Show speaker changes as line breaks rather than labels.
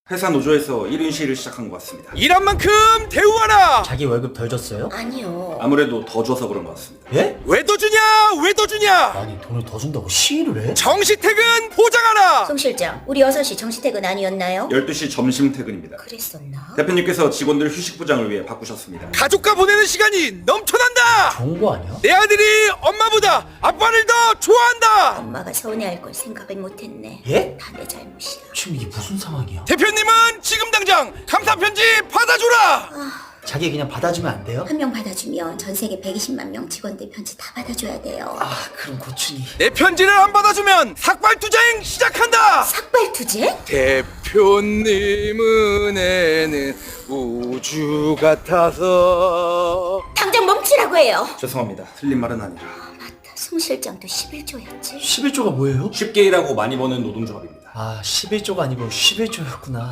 회사 노조에서 1인 시위를 시작한 것 같습니다.
일한 만큼 대우하라.
자기 월급 덜 줬어요?
아니요.
아무래도 더 줘서 그런 것 같습니다.
예?
왜 더 주냐? 왜 더 주냐?
아니 돈을 더 준다고 시위를 해?
정시퇴근 보장하라.
송 실장, 우리 6시 정시퇴근 아니었나요?
12시 점심 퇴근입니다.
그랬었나?
대표님께서 직원들 휴식 보장을 위해 바꾸셨습니다.
가족과 보내는 시간이 넘쳐난다.
좋은 거 아니야?
내 아들이 엄마보다 아빠를 더 좋아한다.
엄마가 서운해할 걸 생각을 못했네.
예?
다 내 잘못이야.
지금 이게 무슨 상황이야?
대표님은 지금 당장 감사 편지 받아줘라.
자기 그냥 받아주면 안 돼요?
한 명 받아주면 전 세계 120만 명 직원들 편지 다 받아줘야 돼요.
아 그럼 고춘이
내 편지를 안 받아주면 삭발투쟁 시작한다.
삭발투쟁?
대표님 은혜는 우주 같아서.
당장 멈추라고 해요.
죄송합니다. 틀린 말은 아니라.
맞다. 송 실장도 11조였지.
11조가 뭐예요?
쉽게 일하고 많이 버는 노동조합입니다.
아 11조가 아니고 11조였구나.